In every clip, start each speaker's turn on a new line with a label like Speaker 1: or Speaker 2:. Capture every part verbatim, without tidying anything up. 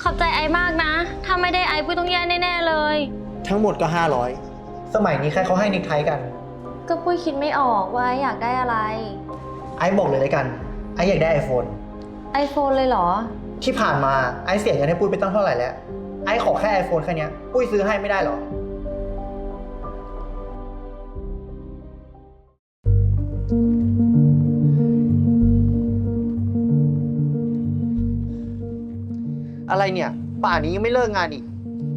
Speaker 1: อบใจไอมากนะถ้าไม่ได้ไอปุ้ยต้องแย่แน่ๆเลย
Speaker 2: ทั้งหมดก็ห้าร้อยสมัยนี้ใครเขาให้นิกไทกัน
Speaker 1: ก็ปุ้ยคิดไม่ออกว่าอยากได้อะไร
Speaker 2: ไอบอกเลยเลยกันไออยากได้ไอโฟน
Speaker 1: ไอโฟนเลยเหรอ
Speaker 2: ที่ผ่านมาไอเสียเงินให้ปุ้ยไปตั้งเท่าไหร่แล้วไอขอแค่ไอโฟนแค่นี้ปุ้ยซื้อให้ไม่ได้หรออะไรเนี่ยป่านนี้ยังไม่เลิกงานอีก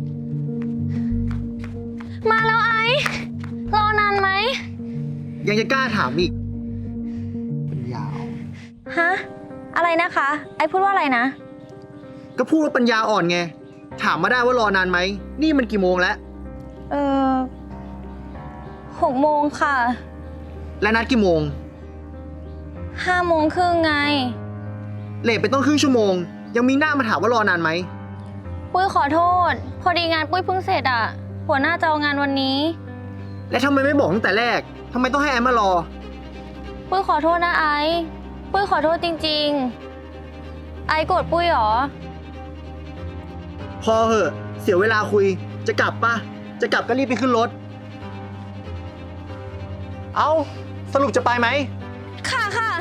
Speaker 1: มาแล้วไอรอนานไหม
Speaker 2: ยังจะกล้าถามอีกปัญญา
Speaker 1: ฮะอะไรนะคะไอพูดว่าอะไรนะ
Speaker 2: ก็พูดว่าปัญญาอ่อนไงถามมาได้ว่ารอนานไหมนี่มันกี่โมงแล้ว
Speaker 1: เออหกโมงค่ะ
Speaker 2: และนัดกี่โมง
Speaker 1: ห้าโมงครึ่งไง
Speaker 2: เลทไปต้องครึ่งชั่วโมงยังมีหน้ามาถามว่ารอนานไหม
Speaker 1: ปุ้ยขอโทษพอดีงานปุ้ยเพิ่งเสร็จอ่ะหัวหน้าจะเอางานวันนี้
Speaker 2: และทำไมไม่บอกตั้งแต่แรกทำไมต้องให้แอมมารอ
Speaker 1: ปุ้ยขอโทษนะไอปุ้ยขอโทษจริงๆไอโกรธปุ้ยหรอ
Speaker 2: พอเหอะเสียเวลาคุยจะกลับปะจะกลับก็รีบไปขึ้นรถเอาสรุปจะไปไหม
Speaker 1: ค่ะค่ะ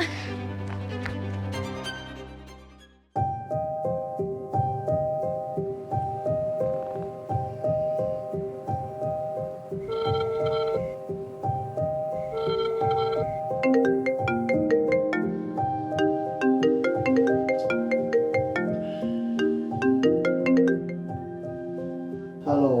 Speaker 2: ฮัลโหล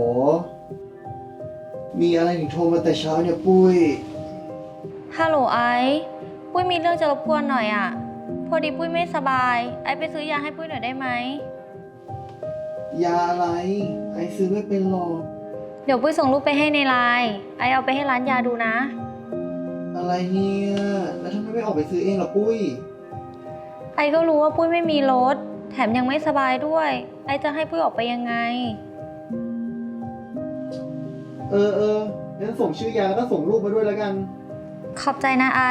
Speaker 2: มีอะไรถึงโทรมาแต่เช้าเนี่ยปุ้ย
Speaker 1: ฮัลโหลไอปุ้ยมีเรื่องจะรบกวนหน่อยอ่ะพอดีปุ้ยไม่สบายไอไปซื้อยาให้ปุ้ยหน่อยได้ไหม
Speaker 2: ยาอะไรไอซื้อไม่เป็นหรอก
Speaker 1: เดี๋ยวปุ้ยส่งรูปไปให้ในไลน์ไอเอาไปให้ร้านยาดูนะ
Speaker 2: อะไรเนี่ยแล้วทำไมไม่ออกไปซื้อเองล่ะปุ้ย
Speaker 1: ไอก็รู้ว่าปุ้ยไม่มีรถแถมยังไม่สบายด้วยไอจะให้ปุ้ยออกไปยังไง
Speaker 2: เออเอองั้นส่งชื่อยาแล้วก็ส่งรูปมาด้วยแล้วกัน
Speaker 1: ขอบใจนะไอ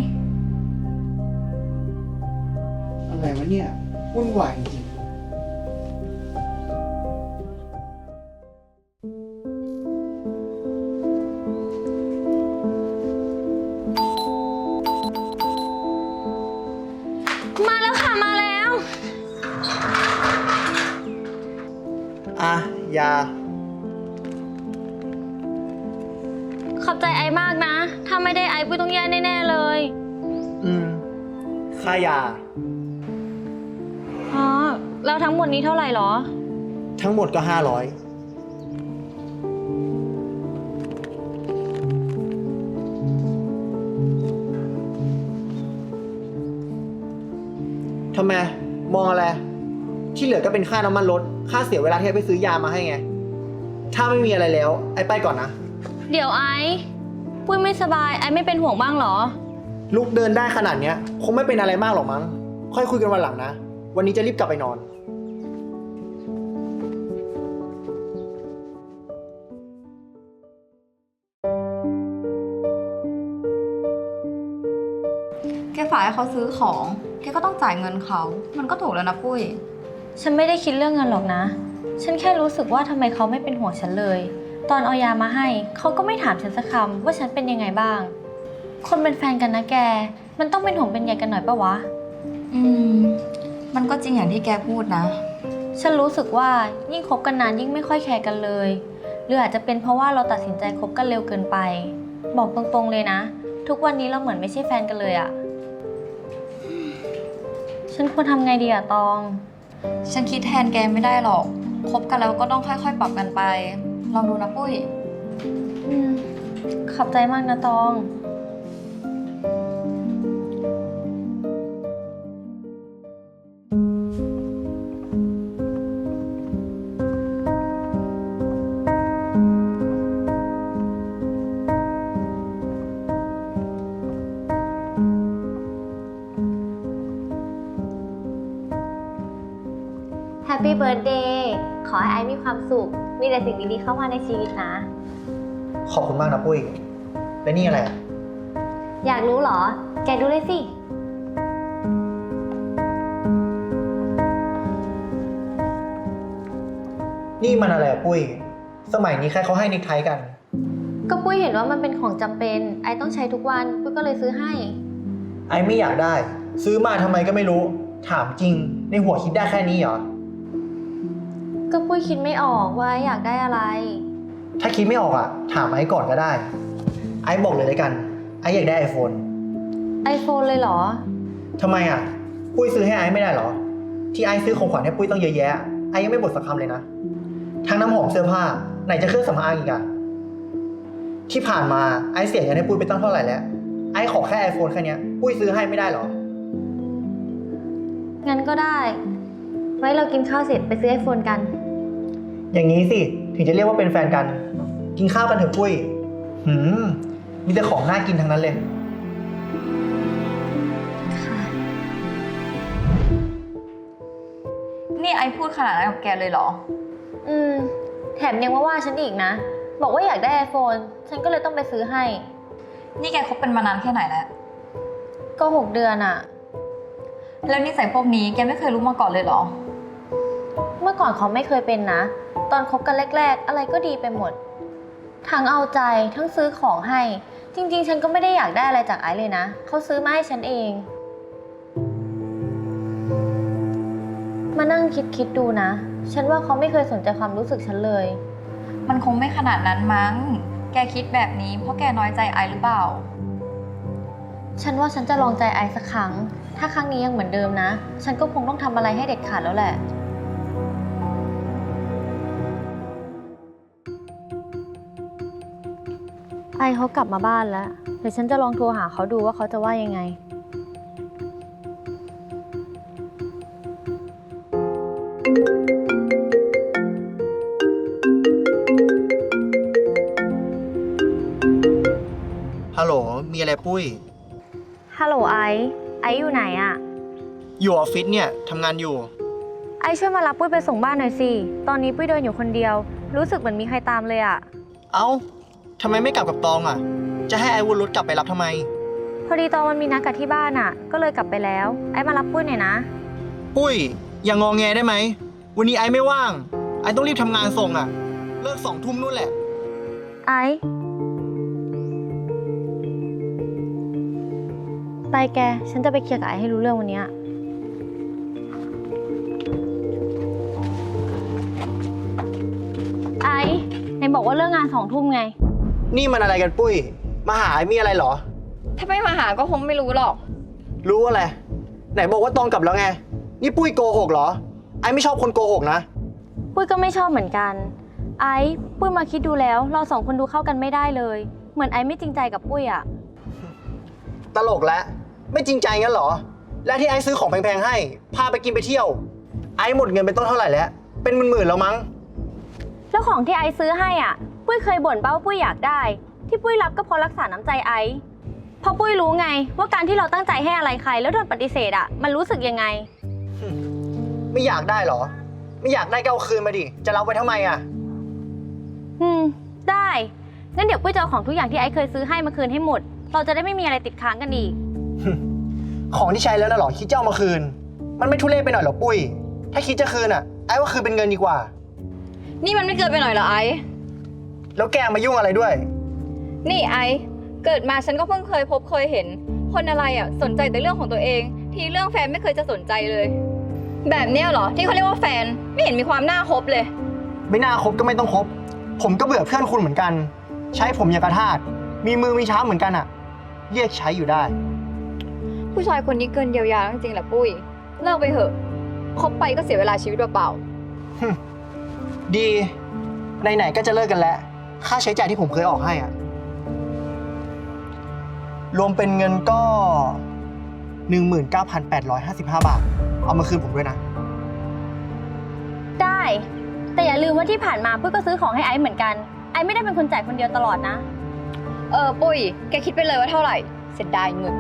Speaker 2: อะไรวะเนี่ยวุ่นวายจริง
Speaker 1: มาแล้วค่ะมาแล้ว
Speaker 2: อ่ะยา
Speaker 1: ขอบใจไอมากนะถ้าไม่ได้ไอปุ้ยต้องแย่แน่ๆเลย
Speaker 2: อืมค่ายา
Speaker 1: อ๋อแล้วทั้งหมดนี้เท่าไหร่หรอ
Speaker 2: ทั้งหมดก็ห้าร้อยทำไมมองอะไรที่เหลือก็เป็นค่าน้ำมันรถค่าเสียเวลาที่ไปซื้อยามาให้ไงถ้าไม่มีอะไรแล้วไอ้ไปก่อนนะ
Speaker 1: เดี๋ยวไอ้ปุ้ยไม่สบายไอ้ไม่เป็นห่วงบ้างหรอ
Speaker 2: ลุกเดินได้ขนาดเนี้ยคงไม่เป็นอะไรมากหรอกมั้งค่อยคุยกันวันหลังนะวันนี้จะรีบกลับไปนอน
Speaker 3: แกฝากให้เขาซื้อของแกก็ต้องจ่ายเงินเขามันก็ถูกแล้วนะปุ้ย
Speaker 1: ฉันไม่ได้คิดเรื่องเงินหรอกนะฉันแค่รู้สึกว่าทำไมเขาไม่เป็นห่วงฉันเลยตอนเอายามาให้เขาก็ไม่ถามฉันสักคำว่าฉันเป็นยังไงบ้างคนเป็นแฟนกันนะแกมันต้องเป็นห่วงเป็นใยกันหน่อยปะวะ
Speaker 3: อืมมันก็จริงอย่างที่แกพูดนะ
Speaker 1: ฉันรู้สึกว่ายิ่งคบกันนานยิ่งไม่ค่อยแคร์กันเลยหรืออาจจะเป็นเพราะว่าเราตัดสินใจคบกันเร็วเกินไปบอกตรงๆเลยนะทุกวันนี้เราเหมือนไม่ใช่แฟนกันเลยอะฉันควรทำไงดีอะตอง
Speaker 3: ฉันคิดแทนแกไม่ได้หรอกคบกันแล้วก็ต้องค่อยๆปรับกันไปลองดูนะปุ้ย
Speaker 1: อืมขอบใจมากนะตอง Happy Birthday ขอให้ไอซ์มีความสุขมีแต่สิ่งดีๆเข้ามาในชีวิตนะ
Speaker 2: ขอบคุณมากนะปุ้ยและนี่อะไร
Speaker 1: อยากรู้เหรอแกดูเลยสิ
Speaker 2: นี่มันอะไรอะปุ้ย สมัยนี้ใครเขาให้เนคไทกัน
Speaker 1: ก็ปุ้ยเห็นว่ามันเป็นของจำเป็น ไอต้องใช้ทุกวัน ปุ้ยก็เลยซื้อให้
Speaker 2: ไอไม่อยากได้ ซื้อมาทำไมก็ไม่รู้ ถามจริง ในหัวคิดได้แค่นี้เหรอ
Speaker 1: ก็ปุ้ยคิดไม่ออกว่าไออยากได้อะไร
Speaker 2: ถ้าคิดไม่ออกอะถามไอก่อนก็ได้ ไอบอกเลยเลยกัน ไออยากได้ไอโฟน
Speaker 1: ไอโฟนเลยเหรอ
Speaker 2: ทำไมอะปุ้ยซื้อให้ไอไม่ได้เหรอ ที่ไอซื้อของขวัญให้ปุ้ยต้องเยอะแยะ ไอยังไม่บ่นสักคำเลยนะ ทั้งน้ำหอมเสื้อผ้า ไหนจะเครื่องสำอางอีกอะที่ผ่านมาไอเสียเงินให้ปุ้ยไปตั้งเท่าไหร่แล้ว ไอขอแค่ไอโฟนแค่เนี้ยปุ้ยซื้อให้ไม่ได้เหรอ
Speaker 1: งั้นก็ได้ ไว้เรากินข้าวเสร็จไปซื้อไอโฟนกัน
Speaker 2: อย่างนี้สิถึงจะเรียกว่าเป็นแฟนกัน กินข้าวกันเถอะปุ้ย หืมมีแต่ของน่ากินทั้งนั้นเลย
Speaker 3: นี่ไอพูดขนาดนั้นกับแกเลยเหรอ
Speaker 1: อืม แถมยังมาว่าฉันอีกนะ บอกว่าอยากได้ไอโฟน ฉันก็เลยต้องไปซื้อให้
Speaker 3: นี่แกคบกันมานานแค่ไหนแล้ว
Speaker 1: ก็หกเดือนอะ
Speaker 3: แล้วนิสัยพวกนี้แกไม่เคยรู้มาก่อนเลยเหรอ
Speaker 1: เมื่อก่อนเขาไม่เคยเป็นนะ ตอนคบกันแรกๆ อะไรก็ดีไปหมด ทั้งเอาใจทั้งซื้อของให้ จริงๆ ฉันก็ไม่ได้อยากได้อะไรจากไอซ์เลยนะ เขาซื้อมาให้ฉันเอง มานั่งคิดๆดูนะ ฉันว่าเขาไม่เคยสนใจความรู้สึกฉันเลย
Speaker 3: มันคงไม่ขนาดนั้นมั้ง แกคิดแบบนี้เพราะแกน้อยใจไอหรือเปล่า
Speaker 1: ฉันว่าฉันจะลองใจไอซ์สักครั้ง ถ้าครั้งนี้ยังเหมือนเดิมนะ ฉันก็คงต้องทำอะไรให้เด็ดขาดแล้วแหละ ไอเขากลับมาบ้านแล้ว เดี๋ยวฉันจะลองโทรหาเขาดูว่าเขาจะว่ายังไง
Speaker 2: ฮัลโหล มีอะไรปุ้ย
Speaker 1: ฮัลโหลไอซ์ไอซ์อยู่ไหนอะ
Speaker 2: อยู่ออฟฟิศเนี่ยทำงานอยู่
Speaker 1: ไอซ์ช่วยมารับปุ้ยไปส่งบ้านหน่อยสิ ตอนนี้ปุ้ยเดินอยู่คนเดียว รู้สึกเหมือนมีใครตามเลยอะ
Speaker 2: เอ้าทำไมไม่กลับกับตองอ่ะ จะให้ไอวนรถกลับไปรับทำไม
Speaker 1: พอดีตอนมันมีนัดกับที่บ้านอะก็เลยกลับไปแล้ว ไอซ์มารับปุ้ยหน่อยนะ
Speaker 2: ปุ้ย อย่างงอแงได้ไหม วันนี้ไอไม่ว่าง ไอต้องรีบทำงานส่งอ่ะ เลิกสองทุ่มนู่นแหละ
Speaker 1: ไอซ์ไปแก ฉันจะไปเคลียร์กับไอซ์ให้รู้เรื่องวันเนี้ยไอซ์ไหนบอกว่าเลิกงานสองทุ่มไง
Speaker 2: นี่มันอะไรกันปุ้ย มาหาไอมีอะไรเหรอ
Speaker 3: ถ้าไม่มาหาก็คงไม่รู้หรอก
Speaker 2: รู้อะไร ไหนบอกว่าตองกลับแล้วไง นี่ปุ้ยโกหกเหรอ ไอไม่ชอบคนโกหกนะ
Speaker 1: ปุ้ยก็ไม่ชอบเหมือนกัน ไอซ์ปุ้ยมาคิดดูแล้วเราสองคนดูเข้ากันไม่ได้เลย เหมือนไอซ์ไม่จริงใจกับปุ้ยอะ
Speaker 2: ตลกแล้ว ไม่จริงใจงั้นเหรอ และที่ไอซื้อของแพงๆให้ พาไปกินไปเที่ยว ไอหมดเงินไปต้นเท่าไหร่แล้ว เป็นหมื่นๆแล้วมั้ง
Speaker 1: แล้วของที่ไอซ์ซื้อให้อ่ะ ปุ้ยเคยบ่นเป้าว่าปุ้ยอยากได้ ที่ปุ้ยรับก็เพราะรักษาน้ำใจไอซ์เพราะปุ้ยรู้ไงว่าการที่เราตั้งใจให้อะไรใครแล้วโดนปฏิเสธอ่ะมันรู้สึกยังไง
Speaker 2: ไม่อยากได้เหรอ ไม่อยากได้ก็เอาคืนมาดิ จะรับไว้ทำไมอ่ะ
Speaker 1: อืมได้งั้นเดี๋ยวปุ้ยจะเอาของทุกอย่างที่ไอซ์เคยซื้อให้มาคืนให้หมด เราจะได้ไม่มีอะไรติดค้างกันอีก
Speaker 2: ของที่ใช้แล้วนะเหรอ คิดจะเอามาคืน มันไม่ทุเรศไปหน่อยเหรอปุ้ย ถ้าคิดจะคืนอ่ะ ไอ้ว่าคืนเป็นเงินดีกว่า
Speaker 3: นี่มันไม่เกินไปหน่อยเหรอไอ
Speaker 2: แล้วแกมายุ่งอะไรด้วย
Speaker 3: นี่ไอเกิดมาฉันก็เพิ่งเคยพบเคยเห็น คนอะไรอ่ะสนใจแต่เรื่องของตัวเอง ทีเรื่องแฟนไม่เคยจะสนใจเลย แบบเนี้ยเหรอที่เขาเรียกว่าแฟนไม่เห็นมีความน่าคบเลย
Speaker 2: ไม่น่าคบก็ไม่ต้องคบ ผมก็เบื่อเพื่อนคุณเหมือนกัน ใช้ผมอย่างกระทาสมีมือมีเท้าเหมือนกันอ่ะ เรียกใช้อยู่ได้
Speaker 3: ผู้ชายคนนี้เกินเยียวยาจริงๆแหละปุ้ยเลิกไปเถอะคบไปก็เสียเวลาชีวิตเปล่า
Speaker 2: ดี ไหนๆก็จะเลิกกันแล้ว ค่าใช้จ่ายที่ผมเคยออกให้อ่ะ รวมเป็นเงินก็ หนึ่งหมื่นเก้าพันแปดร้อยห้าสิบห้า บาท เอามาคืนผมด้วยนะ
Speaker 1: ได้ แต่อย่าลืมว่าที่ผ่านมาปุ้ยก็ซื้อของให้ไอซ์เหมือนกันไอซ์ไม่ได้เป็นคนจ่ายคนเดียวตลอดนะ
Speaker 3: ๆเออปุ้ยแกคิดไปเลยว่าเท่าไหร่เสียดายเงิน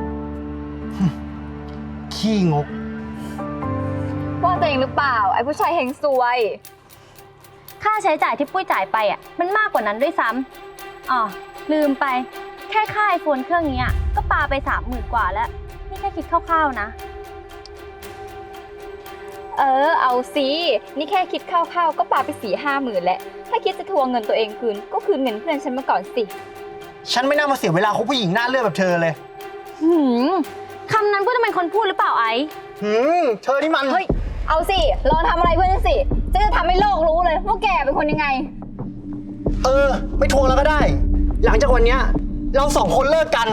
Speaker 2: ขี้งก
Speaker 3: ว่าตัวเองหรือเปล่าไอ้ผู้ชายเฮงซวย
Speaker 1: ค่าใช้จ่ายที่ปุ้ยจ่ายไปอ่ะมันมากกว่านั้นด้วยซ้ำอ๋อลืมไป แค่ค่าไอโฟนเครื่องนี้อะก็ปาไปสามหมื่นกว่าแล้วนี่แค่คิดคร่าวๆนะ
Speaker 3: เออ เอาสิ นี่แค่คิดคร่าวๆก็ปาไปสี่ห้าหมื่นแล้ว ถ้าคิดจะทวงเงินตัวเองคืน ก็คืนเงินเพื่อนฉันมาก่อนสิ
Speaker 2: ฉันไม่น่ามาเสียเวลาคบผู้หญิงหน้าเลือดแบบเธอเลย
Speaker 1: หืมคำนั้นเพื่อนเป็นคนพูดหรือเปล่าไอซ์
Speaker 2: หืม เธอนี่มัน
Speaker 3: เฮ้ย เอาสิ ลองทำอะไรเพื่อนฉันสิจะจะทำให้โลกรู้เลยว่าแกเป็นคนยังไง
Speaker 2: เออ ไม่ทวงแล้วก็ได้ หลังจากวันเนี้ยเราสองคนเลิกกัน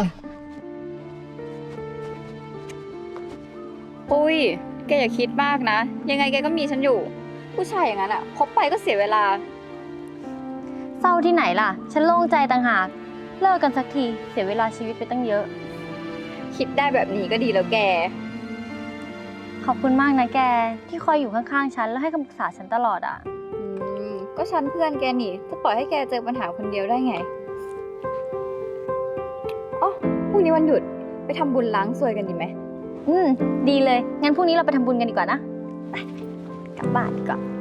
Speaker 3: ปุ้ย แกอย่าคิดมากนะ ยังไงแกก็มีฉันอยู่ ผู้ชายอย่างนั้นอะคบไปก็เสียเวลา
Speaker 1: เศร้าที่ไหนล่ะ ฉันโล่งใจต่างหาก เลิกกันสักที เสียเวลาชีวิตไปตั้งเยอะ
Speaker 3: คิดได้แบบนี้ก็ดีแล้วแก
Speaker 1: ขอบคุณมากนะแก ที่คอยอยู่ข้างๆฉันแล้วให้คำปรึกษาฉันตลอดอ่ะ
Speaker 3: อืม ก็ฉันเพื่อนแกนี่จะปล่อยให้แกเจอปัญหาคนเดียวได้ไงอ๋อพรุ่งนี้วันหยุดไปทำบุญล้างซวยกันดีไหม
Speaker 1: อืม ดีเลย งั้นพรุ่งนี้เราไปทำบุญกันดีกว่านะ ไป กลับบ้านดีกว่า